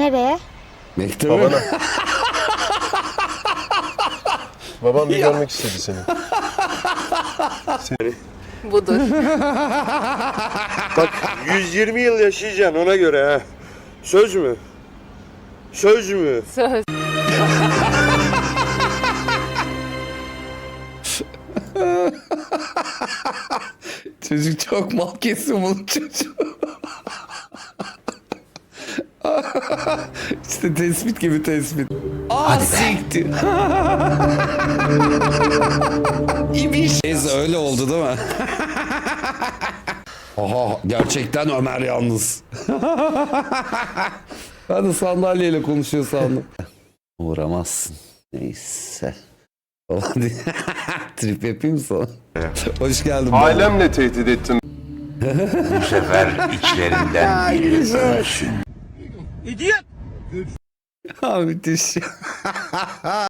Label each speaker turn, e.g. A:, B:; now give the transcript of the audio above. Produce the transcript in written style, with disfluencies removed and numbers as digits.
A: Nereye?
B: Mektebe.
C: Babana. Babam bir görmek istedi seni.
D: Budur.
E: Bak 120 yıl yaşayacaksın ona göre ha. Söz mü? Söz mü?
D: Söz.
B: Çocuk çok mal kesin bunun çocuğu. İşte tespit gibi tespit. Hadi siktir. İbiş. Neyse öyle oldu değil mi? Aha gerçekten Ömer yalnız. Ben de sandalyeyle konuşuyor sandım. Uğramazsın. Neyse. Falan diye. Trip yapayım mı sana? Hoş geldin. baba.
C: Ailemle tehdit ettin.
F: Bu sefer içlerinden biri ölsün.
B: Ha müthiş.